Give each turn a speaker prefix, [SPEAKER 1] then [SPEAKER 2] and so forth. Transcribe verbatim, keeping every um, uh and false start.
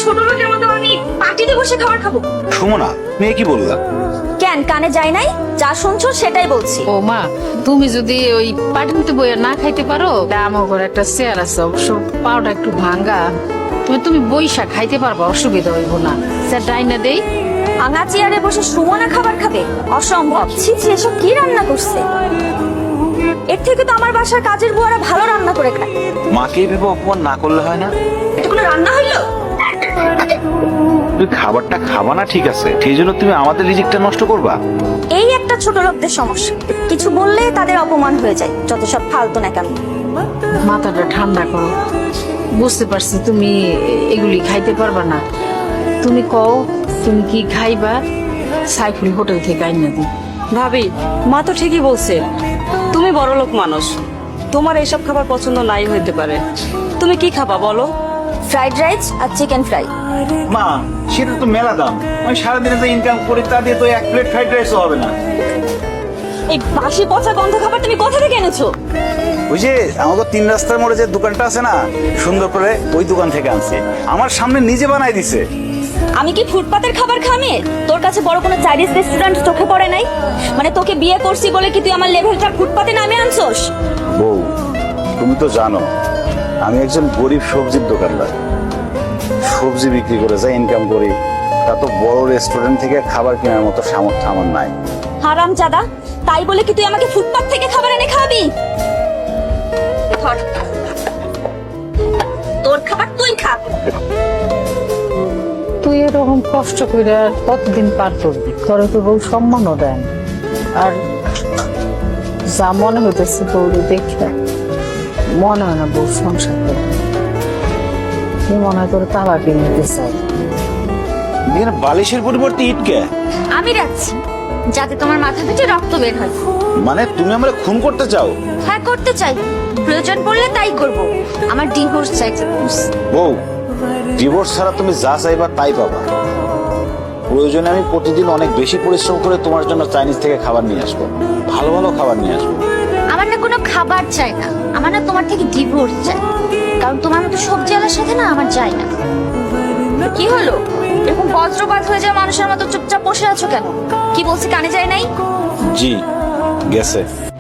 [SPEAKER 1] ছোট লোকের মতো আমি পার্টিতে বসে খাবার খাবো?
[SPEAKER 2] সুমনা, মেয়ে কি বললা?
[SPEAKER 1] কেন কানে যায় নাই? যা শুনছো সেটাই বলছি।
[SPEAKER 3] ও মা, তুমি যদি ওই পাটিতে বইয়া না খাইতে পারো, আমার ঘরে একটা চেয়ার আছে, অবশ্য পাওটা একটু ভাঙ্গা, তুমি তুমি বইসা খাইতে পারবা, অসুবিধা হইব না। স্যার ডাইনা দেই।
[SPEAKER 1] ভাঙা চেয়ারে বসে সুমনা খাবার খাবে? অসম্ভব। ছি ছি, এসব কি রান্না করছে? এর থেকে তো আমার বাসার কাজের বুয়ারা ভালো রান্না করে খায়।
[SPEAKER 2] মাকে ভেবে অপমান না করলে হয় না?
[SPEAKER 1] এটা কোনো রান্না হইলো?
[SPEAKER 2] তুমি খাবারটা খাবা না ঠিক আছে, সেই জন্য তুমি আমাদের রিজিকটা নষ্ট করবা?
[SPEAKER 1] এই একটা ছোট লোকদের সমস্যা, কিছু বললে তাদের অপমান হয়ে যায়। যত সব ফালতু না কেন।
[SPEAKER 3] মাথাটা ঠান্ডা করো, বুঝতে পারছি তুমি এগুলি খাইতে পারবা না। তুমি কও তুমি কি খাইবা, সাইফুল হোটেল থেকে আইনা দিই।
[SPEAKER 4] ভাবি, মা তো ঠিকই বলছে, তুমি বড়লোক মানুষ, তোমার এইসব খাবার পছন্দ নাই হইতে পারে। তুমি কি খাবা বলো?
[SPEAKER 1] ফ্রাইড রাইস আর চিকেন ফ্রাই।
[SPEAKER 2] মা, সেটা তো মেলা দাম। আমি সারাদিনে যে ইনকাম করি তা দিয়ে তো এক প্লেট ফ্রাইড রাইসও হবে না।
[SPEAKER 1] এই বাসি পচা গন্ধ খাবার তুমি কোথা থেকে এনেছো?
[SPEAKER 2] ওই যে আমাদের তিন রাস্তার মোড়ে যে দোকানটা আছে না, সুন্দর করে ওই দোকান থেকে আনছি। আমার সামনে নিজে বানাই দিছে।
[SPEAKER 1] আমি কি ফুটপাতের খাবার খামে? তোর কাছে বড় কোনো চাইনিজ রেস্টুরেন্ট চোখে পড়ে নাই? মানে তোকে বিয়ে করছি বলে কি তুই আমার লেভেলটা ফুটপাতে নামে আনছোস?
[SPEAKER 2] বউ, তুমি তো জানো আমি একজন গরিব সবজির দোকানদার। সবজি বিক্রি করে যা ইনকাম করি তা তো বড় রেস্টুরেন্ট থেকে খাবার কেনার মতো সামর্থ্য আমার নাই।
[SPEAKER 1] হারাম জাদা, তাই বলে কি তুই আমাকে ফুটপাত থেকে খাবার এনে খাওয়াবি? ধর, তোর খাবার তুই খা।
[SPEAKER 3] তুই এরকম কষ্ট করে আর কতদিন পার করবি? তোরে তো বউ সম্মানও দেন, আর যা মনে হইতেছে বউরে দেখে মনে হয় না বউ সংসার করবে। তুই মনে হয় তোর তালা কিনে নিতে চাই।
[SPEAKER 2] এখানে বালিশের পরিবর্তে ইটকে
[SPEAKER 1] আমি রাখছি যাতে তোমার মাথা থেকে রক্ত বের হয়।
[SPEAKER 2] মানে তুমি আমরা খুন করতে চাও?
[SPEAKER 1] হ্যাঁ করতে চাই, প্রয়োজন পড়লে তাই করব। আমার ডিভোর্স চাই।
[SPEAKER 2] বউ, ডিভোর্স ছাড়া তুমি যা চাইবা তাই পাবা। প্রয়োজনে আমি প্রতিদিন অনেক বেশি পরিশ্রম করে তোমার জন্য চাইনিজ থেকে খাবার নিয়ে আসবো, ভালো ভালো খাবার নিয়ে আসবো।
[SPEAKER 1] আমার না কোনো খাবার চাই না, আমার না তোমার থেকে ডিভোর্স চাই। কারণ তোমার মতো সবজিওয়ালার সাথে না আমার চাই না। কি হলো, এরকম বজ্রপাত হয়ে যায় মানুষের মতো চুপচাপ বসে আছো কেন? কি বলছি কানে যায় নাই?
[SPEAKER 2] জি গেছে।